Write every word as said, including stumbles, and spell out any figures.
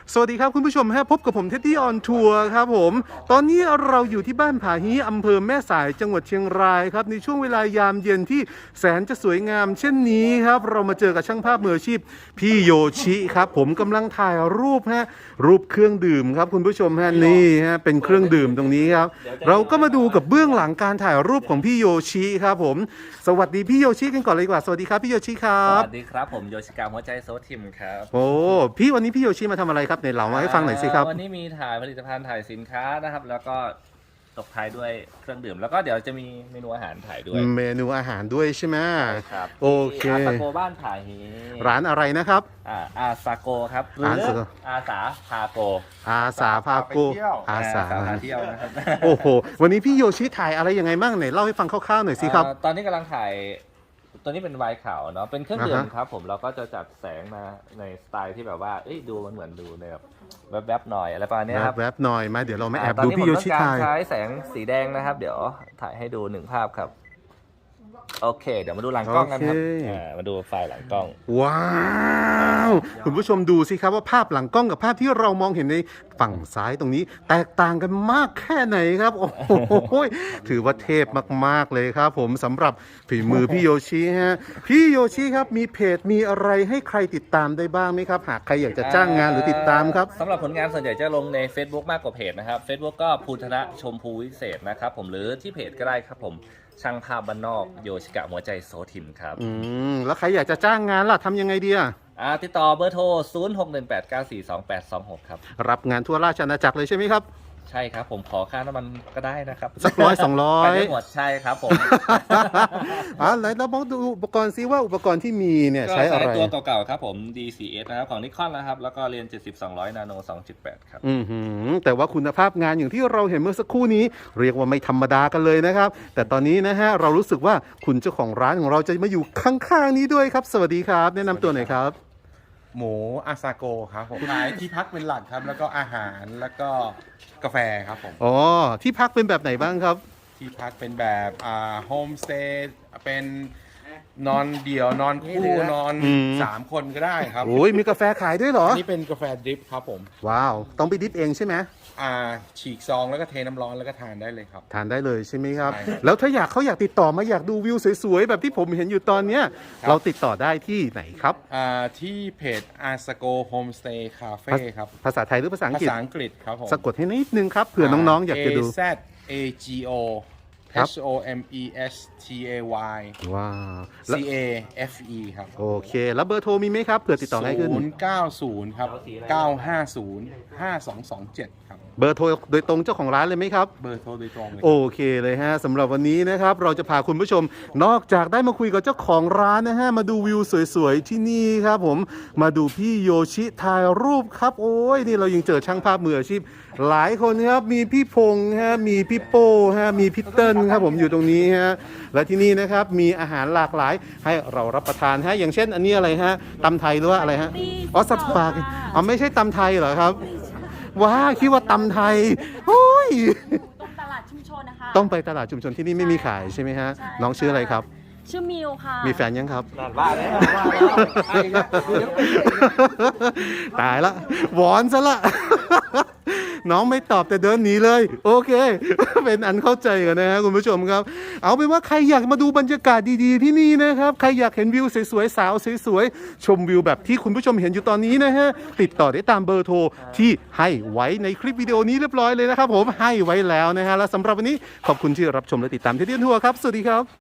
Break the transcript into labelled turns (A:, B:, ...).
A: สวัสดีครับคุณผู้ชมฮะพบกับผมเท็ดดี้ออนทัวร์ครับผมตอนนี้เราอยู่ที่บ้านผาฮีอำเภอแม่สายจังหวัดเชียงรายครับในช่วงเวลายามเย็นที่แสนจะสวยงามเช่นนี้ครับเรามาเจอกับช่างภาพมืออาชีพพี่โยชิครับผมกำลังถ่ายรูปฮะรูปเครื่องดื่มครับคุณผู้ชมฮะนี่ฮะเป็นเครื่องดื่มตรงนี้ครับเราก็มาดูกับเบื้องหลังการถ่ายรูปของพี่โยชิครับผมสวัสดีพี่โยชิกันก่อนเลยดีกว่าสวัสดีครับพี่โยชิครับ
B: สวัสดีครับผมโยชิกาหัวใจโซทิมครับ
A: โอ้พี่วันนี้พี่โยชิมาทำอะไรครับในเล่ามาให้ฟังหน่อยสิครับ
B: วันนี้มีถ่ายผลิตภัณฑ์ถ่ายสินค้านะครับแล้วก็ตบท้ายด้วยเครื่องดื่มแล้วก็เดี๋ยวจะมีเมนูอาหารถ่ายด้วย
A: เมนูอาหารด้วยใช่ไหม
B: ครับ
A: โอเค
B: อาซาโกบ้านผาฮี
A: ร้านอะไรนะครับ
B: อ่าอาซาโกครับหรืออาสาพาโก
A: อาสาพาโกอาสา
B: พาเที่ยวนะครับ
A: โอ้โหวันนี้พี่โยชิถ่ายอะไรยังไงบ้างไหนเล่าให้ฟังคร่าวๆหน่อยสิครับ
B: ตอนนี้กำลังถ่ายตัวนี้เป็นไวน์ขาวเนาะเป็นเครื่องดื่มครับผมเราก็จะจัดแสงมาในสไตล์ที่แบบว่าดูมันเหมือนดูในแบบแวบๆหน่อยอะไรประมาณนี้ครับ
A: แวบๆหน่อยมาเดี๋ยวเรามาแอบดูพี่โยชิถ่าย
B: ใช้แสงสีแดงนะครับเดี๋ยวถ่ายให้ดูหนึ่งภาพครับโอเคเดี๋ยวมาดูหลังกล้องกันครับมาดูไฟล์หลังกล้อง
A: ว้าวคุณผู้ชมดูสิครับว่าภาพหลังกล้องกับภาพที่เรามองเห็นในฝั่งซ้ายตรงนี้แตกต่างกันมากแค่ไหนครับโอ้โหถือว่าเทพมากๆเลยครับผมสำหรับฝีมือพี่โยชิฮะพี่โยชิครับมีเพจมีอะไรให้ใครติดตามได้บ้างไหมครับหากใครอยากจะจ้างงานหรือติดตามครับ
B: สำหรับผลงานส่วนใหญ่จะลงใน Facebook มากกว่าเพจนะครับ Facebook ก็ภูธนะชมพูวิเศษนะครับผมหรือที่เพจก็ได้ครับผมช่างภาพบ้านนอกโยชิกะหัวใจโซทิมครับ
A: อืมแล้วใครอยากจะจ้างงานล่ะทำยังไงดีอ่ะ
B: อ่าติดต่อเบอร์โทรศูนย์ หก หนึ่ง แปด เก้า สี่ สอง แปด สอง หกครับ
A: รับงานทั่วราชอาณาจักรเลยใช่ไหมครับ
B: ใช่ครับผมขอค่าน้ำมันก็ได้นะครับ
A: สักร้อยสองร้อย
B: ไปได้หมดใช่ครับผม
A: อ่าไหนเราบอกดูอุปกรณ์ซิว่าอุปกรณ์ที่มีเนี่ยใช้อะไร
B: ตัวเก่าๆครับผม ดี ซี เอส นะครับของนิคอนนะครับแล้วก็เรียนเจ็ดสิบ สองร้อย นาโน สองจุดแปด ครับ
A: อือหือแต่ว่าคุณภาพงานอย่างที่เราเห็นเมื่อสักครู่นี้เรียกว่าไม่ธรรมดากันเลยนะครับแต่ตอนนี้นะฮะเรารู้สึกว่าคุณเจ้าของร้านของเราจะมาอยู่ข้างๆนี้ด้วยครับสวัสดีครับแนะนำตัวหน่อยครับ
C: หมูอาซาโกครับผมขายที่พักเป็นหลักครับแล้วก็อาหารแล้วก็กาแฟครับผม
A: อ๋อที่พักเป็นแบบไหนบ้างครับ
C: ที่พักเป็นแบบอ่าโฮมสเตย์เป็นนอนเดี่ยวนอนคู่นอนสามคนก็ได้ครับ
A: โอ้ยมีกาแฟขายด้วยเหรอ
C: นี่เป็นกาแฟดริปครับผม
A: ว้าวต้องไปดริปเองใช่ไหม
C: อ่าฉีกซองแล้วก็เทน้ำร้อนแล้วก็ทานได้เลยครับ
A: ทานได้เลยใช่ไหมครับแล้วถ้าอยากเขาอยากติดต่อมาอยากดูวิวสวยๆแบบที่ผมเห็นอยู่ตอนเนี้ยเราติดต่อได้ที่ไหนครับ
C: อ่าที่เพจอาซาโกโฮมสเตย์คาเฟ่ครับ
A: ภาษาไทยหรือภาษาอังกฤษ
C: ภาษาอังกฤษครับผม
A: สะกดให้นิดนึงครับเผื่อน้องๆอยากจะดู
C: A Z A G O H O M E S T A Y
A: ว้าว
C: C A F E ครับ
A: โอเคแล้วเบอร์โทรมีไหมครับเผื่อติดต่อง่ายขึ้น
C: ศูนย์ เก้า ศูนย์ครับเก้า ห้า ศูนย์ ห้า สอง สอง เจ็ดครับ
A: เบอร์โทรโดยตรงเจ้าของร้านเลยไหมครับ
C: เบอร์โทรโดยตรงเลย
A: โอเคเลยฮะสำหรับวันนี้นะครับเราจะพาคุณผู้ชมนอกจากได้มาคุยกับเจ้าของร้านนะฮะมาดูวิวสวยๆที่นี่ครับผมมาดูพี่โยชิถ่ายรูปครับโอ้ยนี่เรายังเจอช่างภาพมืออาชีพหลายคนครับมีพี่พงษ์ฮะมีพี่โป้ฮะมีพี่เติ้ลครับผมอยู่ตรงนี้ฮะและที่นี่นะครับมีอาหารหลากหลายให้เรารับประทานฮะอย่างเช่นอันนี้อะไรฮะตำไทยหรือว่าอะไรฮะอ๋อสับปากอ๋อไม่ใช่ตำไทยเหรอครับว้าคิดว่าตำไทยโอ้ย
D: ต้องตลาดชุมชนนะคะ
A: ต้องไปตลาดชุมชนที่นี่ไม่มีขายใช่ไหมฮะน้องชื่ออะไรครับ
D: ชื่อมิวค่ะ
A: มีแฟนยังครับ
B: นั่นว่าแล้ว
A: ตายละหวอนซะละน้องไม่ตอบแต่เดินหนีเลยโอเคเป็นอันเข้าใจกันนะฮะคุณผู้ชมครับเอาเป็นว่าใครอยากมาดูบรรยากาศดีๆที่นี่นะครับใครอยากเห็นวิวสวยๆสาวสวยๆชมวิวแบบที่คุณผู้ชมเห็นอยู่ตอนนี้นะฮะติดต่อได้ตามเบอร์โทรที่ให้ไว้ในคลิปวิดีโอนี้เรียบร้อยเลยนะครับผมให้ไว้แล้วนะฮะและสำหรับวันนี้ขอบคุณที่รับชมและติดตามที่เดียนทัวร์ครับสวัสดีครับ